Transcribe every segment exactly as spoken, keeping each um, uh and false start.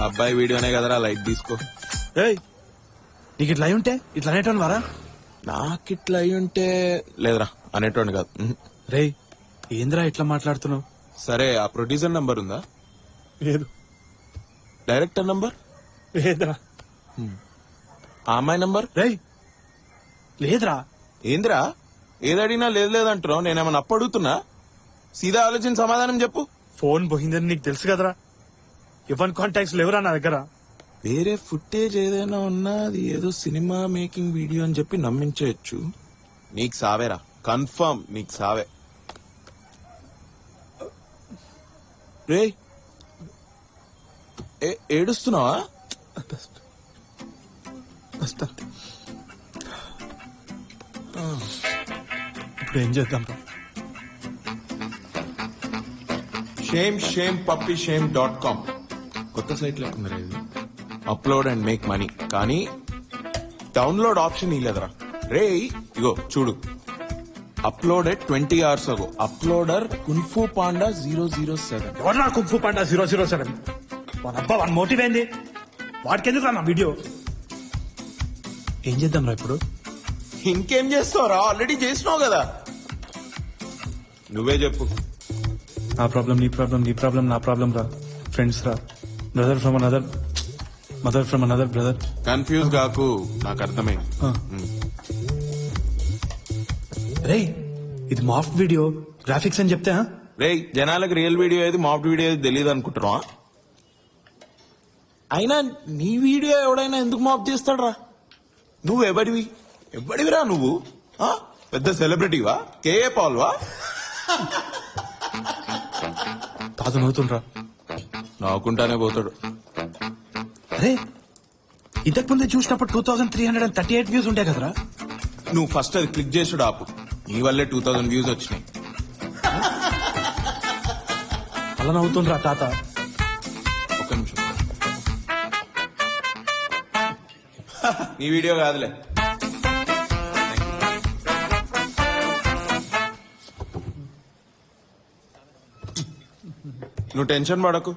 అబ్బాయి వీడియోనే కదరా, లైట్ తీసుకో. ఏయ్ నీకు ఇట్లా అయి ఉంటే ఇట్లా అనేటోని వారా? నాకిట్లా అయి ఉంటే లేదురా అనేటోని కాదు. రేయ్ ఏంద్రా ఇట్లా మాట్లాడుతున్నావు? సరే, ఆ ప్రొడ్యూసర్ నంబర్ ఉందా? లేదు. Director number? లేదురా. ఆ అమ్మాయి నంబర్? రేయ్ లేదురా. ఏందిరా ఏదడిగినా లేదు లేదంటున్నావు? నేనేమన్నా అప్పు అడుగుతున్నా? సీదా ఆలోచించి సమాధానం చెప్పు. ఫోన్ పోయిందని నీకు తెలుసు కదరా. ఎవరి కాంటాక్ట్స్ లేవురా నా దగ్గర. వేరే ఫుటేజ్ ఏదైనా ఉన్నా అది ఏదో సినిమా మేకింగ్ వీడియో అని చెప్పి నమ్మించవచ్చు. నీకు సావేరా, కన్ఫర్మ్ నీకు సావే. రే ఏడుస్తున్నావా? ఇప్పుడు ఏం చేద్దాం? Shame shame puppy shame dot com కొత్త సైట్ లేకుండా ఇది. అప్లోడ్ అండ్ మేక్ మనీ, కానీ డౌన్లోడ్ ఆప్షన్ ఇలేదరా. రే ఇగో చూడు, uploaded twenty hours ago. Uploader kung fu panda zero zero seven. ఎవరు kung fu panda zero zero seven? వాడు అబ్బా వాడి మోటివ్ ఏంది? వాడికి ఎందుకు రా నా వీడియో? ఏం చేద్దాం రా ఇప్పుడు? ఇంకేం చేస్తావురా, ఆల్రెడీ చేసినావు కదా. నువ్వే చెప్పు. నా ప్రాబ్లం నీ ప్రాబ్లం, నీ ప్రాబ్లం నా ప్రాబ్లం రా. ఫ్రెండ్స్ రా. Brother from another mother from another brother. Confuse కాకు, నాకు అర్థమే. రే ఇది మాఫ్ట్ వీడియో, గ్రాఫిక్స్ అని చెప్తే రే జనాలకు రియల్ వీడియో ఏది మాఫ్ట్ వీడియో ఏది తెలియదు అనుకుంటున్నావా? అయినా నీ వీడియో ఎవడైనా ఎందుకు మాఫ్ చేస్తాడ్రా? నువ్వు ఎవడివి ఎవడివిరా నువ్వు? ఆ? పెద్ద సెలబ్రిటీవా? కేఏ పాల్వా? తాత నవ్వుతుండ్రా. నవ్వుకుంటానే పోతాడు. అరే ఇంతకు ముందే చూసినప్పుడు two thousand three hundred and thirty eight views ఉంటాయి కదరా. నువ్వు ఫస్ట్ అది క్లిక్ చేసుడు ఆపు. నీ వల్లే టూ థౌసండ్ వ్యూస్ వచ్చినాయి. అలా నవ్వుతుండ్రా తాత. ఒక్క నిమిషం. నీ వీడియో కాదులే. నువ్వు టెన్షన్ పడకు,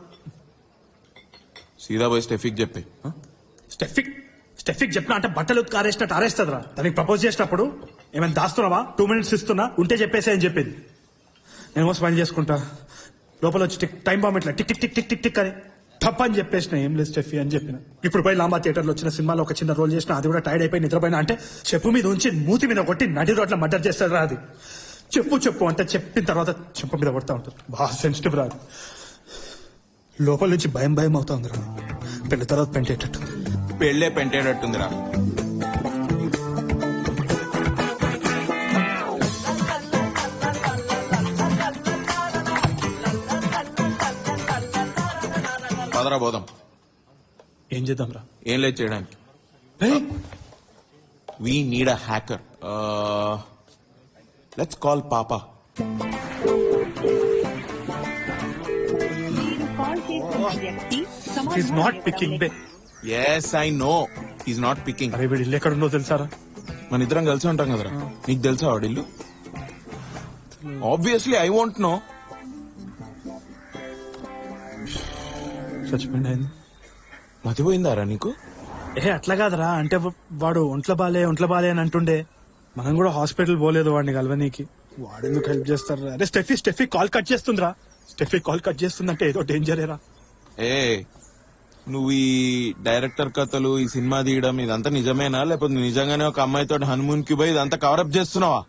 సీదా పోయి స్టెఫిక్ చెప్పి. స్టెఫిక్ స్టెఫిక్ చెప్పినా అంటే బట్టలు ఆరేసినట్టు ఆరేస్తుందిరా. దానికి ప్రపోజ్ చేసినప్పుడు ఏమైనా దాస్తున్నావా? టూ మినిట్స్ ఇస్తున్నా, ఉంటే చెప్పేసి అని చెప్పేది. నేను స్మైల్ చేసుకుంటా, లోపల వచ్చి టిక్ టైం బాంబ్ ఇట్లా tick tick tick tick tick tick అని తప్ప అని చెప్పేసిన. ఏం లేదు స్టెఫీ అని చెప్పిన. ఇప్పుడు పోయి లాంబా థియేటర్ లో వచ్చిన సినిమాలో ఒక చిన్న రోల్ చేసిన, అది కూడా టైర్డ్ అయిపోయి నిద్రపోయినా అంటే చెప్పు మీద ఉంచి మూతి మీద కొట్టి నడి రోడ్ల మర్డర్ చేస్తారా. అది చెప్పు చెప్పు అంటే చెప్పిన తర్వాత చెప్పు మీద కొడతా ఉంటుంది. బాగా సెన్సిటివ్ రాదు. లోపల నుంచి భయం భయం అవుతా ఉంది రా. పెళ్లి తర్వాత పెంటేటట్టు. పెళ్లే పెంటేటట్టుందిరా. పదరా పోదాం. ఏం చేద్దాం రా? ఏం లేదు చేయడానికి. We need a hacker. Let's call పాపా. He's not picking, babe. Yes, I know. He's not picking. అరే వీడి ఇల్లు ఎక్కడ ఉందో తెలుసారా? మన ఇద్దరం కలిసి ఉంటాం కదరా. నీకు తెలుసా వాడి ఇల్లు? Obviously I want no. చచ్చిపోయింది. మతిపోయిందారా నీకు? ఏ అట్లా కాదరా, అంటే వాడు ఒంట్లో బాలే ఒంట్లో బాలే అని అంటుండే. మనం కూడా హాస్పిటల్ పోలేదు వాడిని కలవనీకి. వాడు ఎందుకు హెల్ప్ చేస్తారా? అరే స్టెఫీ స్టెఫీ కాల్ కట్ చేస్తుందిరా. స్టెఫీ కాల్ కట్ చేస్తుందంటే ఏదో డేంజరేరా. ఏ నువ్వు ఈ డైరెక్టర్ కథలు, ఈ సినిమా తీయడం ఇదంతా నిజమేనా, లేకపోతే నిజంగానే ఒక అమ్మాయితో హనుమూన్ కి పోయి ఇదంతా కవరప్ చేస్తున్నావా?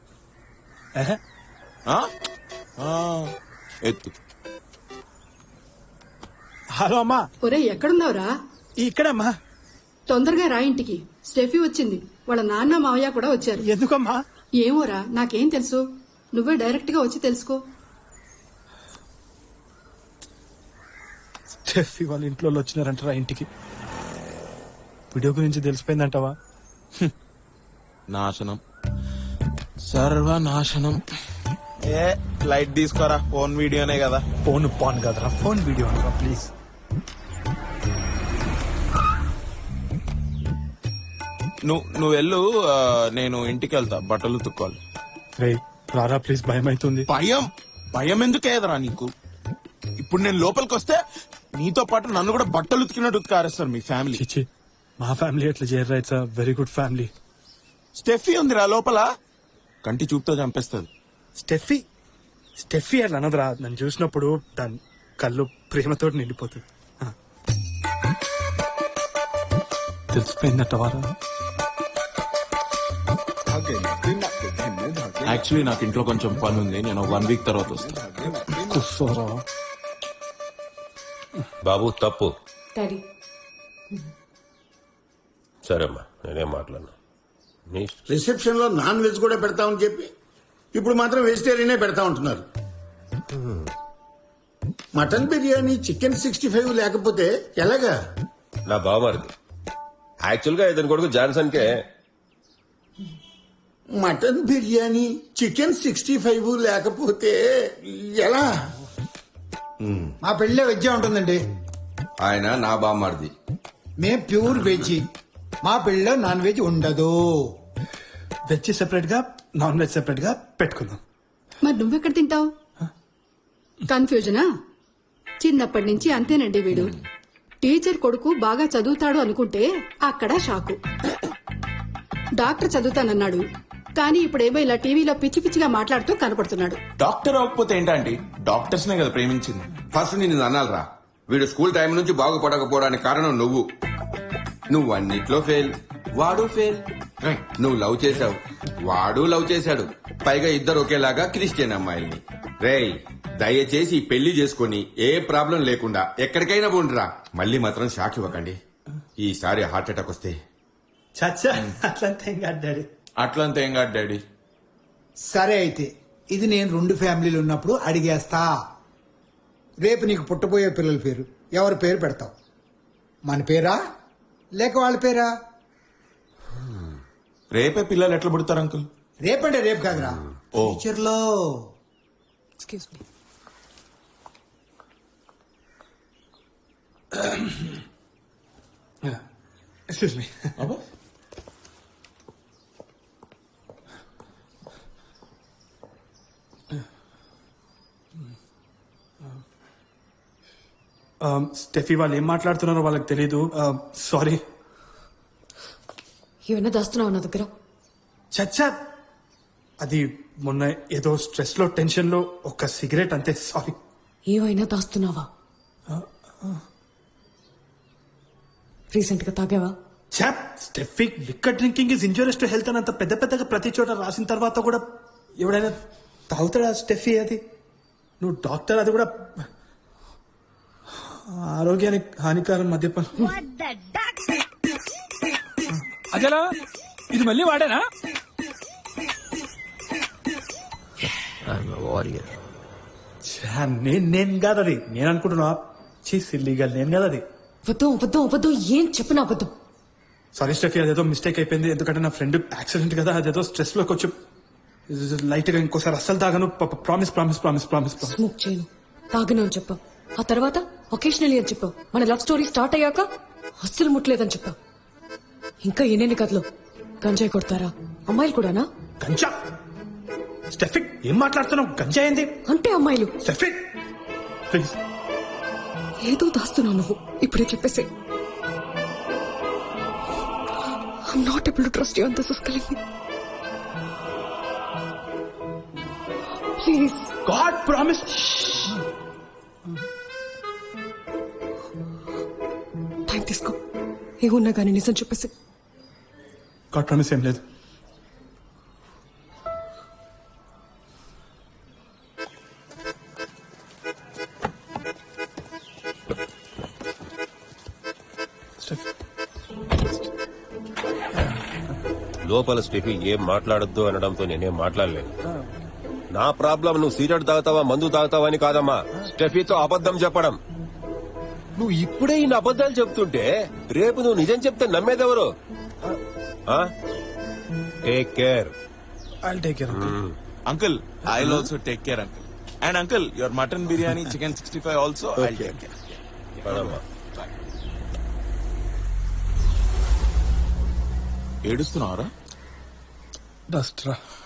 ఎత్తు. హలో అమ్మా. ఒరే ఎక్కడున్నావురా? ఇక్కడమ్మా. తొందరగా రా ఇంటికి. స్టెఫీ వచ్చింది, వాళ్ళ నాన్న మావయ్య కూడా వచ్చారు. ఎందుకమ్మా? ఏమోరా, నాకేం తెలుసు. నువ్వే డైరెక్ట్ గా వచ్చి తెలుసుకో. స్టెఫీ వాళ్ళ ఇంట్లో వచ్చినారంటారా ఇంటికి? వీడియో గురించి తెలిసిపోయిందంటావా? నాశనం, సర్వనాశనం. ఏ లైట్ తీసుకోరా, ఫోన్ వీడియోనే కదా. ఫోన్ పాన్ కదరా, ఫోన్ వీడియో అనరా ప్లీజ్. నువ్వు నువ్వు వెళ్ళు, నేను ఇంటికి వెళ్తా, బట్టలు తుక్కోవాలి. రే రారా ప్లీజ్, భయం అవుతుంది. భయం భయం ఎందుకు ఏదరా నీకు? ఇప్పుడు నేను లోపలికి వస్తే నీతో పాటు నన్ను కూడా బట్టలు ఉతికినట్టు ఉతికారేస్తారు మీ ఫ్యామిలీ. చిచ్చి మా ఫ్యామిలీ అట్లా చేయరు. It's very good family. Steffi ఉందిరా లోపల, కంటి చూపుతో చంపేస్తుంది. స్టెఫీ స్టెఫీ అట్లా అనదురా. నన్ను చూసినప్పుడు దాని కళ్ళు ప్రేమతో నిండిపోతుంది. ఆ. తెలిసిపోయిందట వారా. యాక్చువల్లీ నాకు ఇంట్లో కొంచెం పని ఉంది, నేను వన్ వీక్ తర్వాత వస్తాను. కూర్చోరా. బాబు తప్పు. డాడీ సరేమ్మా నేనేం మాట్లాడను. నీ రిసెప్షన్ లో నాన్ వెజ్ కూడా పెడతామని చెప్పి ఇప్పుడు మాత్రం వెజిటేరియనే పెడతా ఉంటున్నారు. Mutton biryani, chicken sixty five లేకపోతే ఎలాగా? నా బావమరిది యాక్చువల్ గా ఇతని కొడుకు జాన్సన్ కే mutton biryani, chicken sixty five లేకపోతే ఎలా? మా పెళ్ళే వెజ్ ఉంటుందండి. ఆయన నా బామ్మారిది. మేం ప్యూర్ వెజ్. మా పెళ్ళలో నాన్ వెజ్ ఉండదు. వెజ్ సెపరేట్ గా నాన్ వెజ్ సెపరేట్ గా పెట్టుకుందాం. మరి నువ్వెక్కడ తింటావు? కన్ఫ్యూజనా? చిన్నప్పటి నుంచి అంతేనండి వీడు. టీచర్ కొడుకు బాగా చదువుతాడు అనుకుంటే అక్కడ షాకు. డాక్టర్ చదువుతానన్నాడు, కానీ ఇప్పుడేమో ఇలా టీవీలో పిచ్చి పిచ్చిగా మాట్లాడుతూ కనపడుతున్నాడు. డాక్టర్ అవ్వకపోతే ఏంటంటే డాక్టర్స్ నే కదా ప్రేమించింది. ఫస్ట్ నిన్ను అనాలరా, వీడు స్కూల్ టైం నుంచి బాగుపడకపోవడానికి కారణం నువ్వు. నువ్వు అన్నిట్లో ఫెయిల్, వాడు ఫెయిల్. నువ్వు లవ్ చేశావు, వాడు లవ్ చేశాడు. పైగా ఇద్దరు ఒకేలాగా క్రిస్టియన్ అమ్మాయిల్ని. రేయ్ దయచేసి ఈ పెళ్లి చేసుకుని ఏ ప్రాబ్లం లేకుండా ఎక్కడికైనా పోండిరా. మళ్ళీ మాత్రం షాక్ ఇవ్వకండి. ఈసారి హార్ట్ అటాక్ వస్తే చచ్చా అట్లంతా ఏం కాదు డాడీ. అట్లంతా ఏం కాదు డాడీ. సరే అయితే ఇది నేను రెండు ఫ్యామిలీలు ఉన్నప్పుడు అడిగేస్తా. రేపు నీకు పుట్టబోయే పిల్లల పేరు ఎవరి పేరు పెడతావు? మన పేరా లేక వాళ్ళ పేరా? రేపే పిల్లలు ఎట్లా పుడతారు అంకుల్? రేపంటే రేపు కాదురా, ఓ. ఫ్యూచర్ లో. Excuse me. Excuse me. Steffi వాళ్ళు ఏం మాట్లాడుతున్నారో వాళ్ళకి తెలీదు. సారీ. ఏమైనా దాస్తున్నావు నా దగ్గర? చచ్చా అది మొన్న ఏదో స్ట్రెస్ లో టెన్షన్ లో ఒక సిగరెట్ అంతే. సారీ. ఏమైనా దాస్తున్నావా? రీసెంట్ గా తాగావా? చాప్ Steffi liquor drinking is injurious to health అని అంత పెద్ద పెద్దగా ప్రతి చోట రాసిన తర్వాత కూడా ఎవడైనా తాగుతాడా స్టెఫీ? అది నువ్వు డాక్టర్, అది కూడా ఆరోగ్యానికి హానికరం మద్యపానం. అదేలా ఇది మళ్ళీ వాడేనా? ఛా, నేను నేను కాదు అది. నేను అనుకుంటున్నా సిల్లీగల్ నేను కాదు అది. అబద్ధం అబద్ధం అబద్ధం. ఏం చెప్పిన అబద్ధం. సారీ స్టెఫీ, అదేదో మిస్టేక్ అయిపోయింది. ఎందుకంటే నా ఫ్రెండ్ యాక్సిడెంట్ కదా, అదేదో స్ట్రెస్ లో కొంచెం లైట్ గా ఇంకోసారి అస్సలు తాగను. Promise promise promise promise promise. Smoke చేయను, తాగను అని చెప్పావు. ఆ తర్వాత ఒకేషనలీ అని చెప్పావు. మన లవ్ స్టోరీ స్టార్ట్ అయ్యాక అస్సలు ముట్టలేదని చెప్పావు. ఇంకా ఎన్నెన్ని కథలు. గంజాయి కొడతారా అమ్మాయిలు కూడానా? గంజా స్టెఫిక్ ఏం మాట్లాడుతున్నావు? గంజా ఏంది అంటే అమ్మాయిలు. స్టెఫిక్ ప్లీజ్. ఏదో దాస్తున్నావు నువ్వు. ఇప్పుడే చెప్పేసి. I'm not able to trust you and this is killing me. Please. God promise. Time తీసుకో. ఏమున్నా కానీ నిజం చెప్పేసి. God promise ఏం లేదు. లోపల స్టెఫీ ఏం మాట్లాడొద్దు అనడంతో నేనేం మాట్లాడలేను. నా ప్రాబ్లం నువ్వు సిగరెట్ తాగుతావా మందు తాగుతావా అని కాదమ్మా, స్టెఫీతో అబద్ధం చెప్పడం. నువ్వు ఇప్పుడే ఇన్ని అబద్ధాలు చెప్తుంటే రేపు నువ్వు నిజం చెప్తే నమ్మేదెవరు? Take care. I'll take care. Uncle I also take care uncle. And uncle your mutton biryani, chicken sixty five also I take care. పదమ్మా. ఏడుస్తున్నావరా? డస్ట్ రా.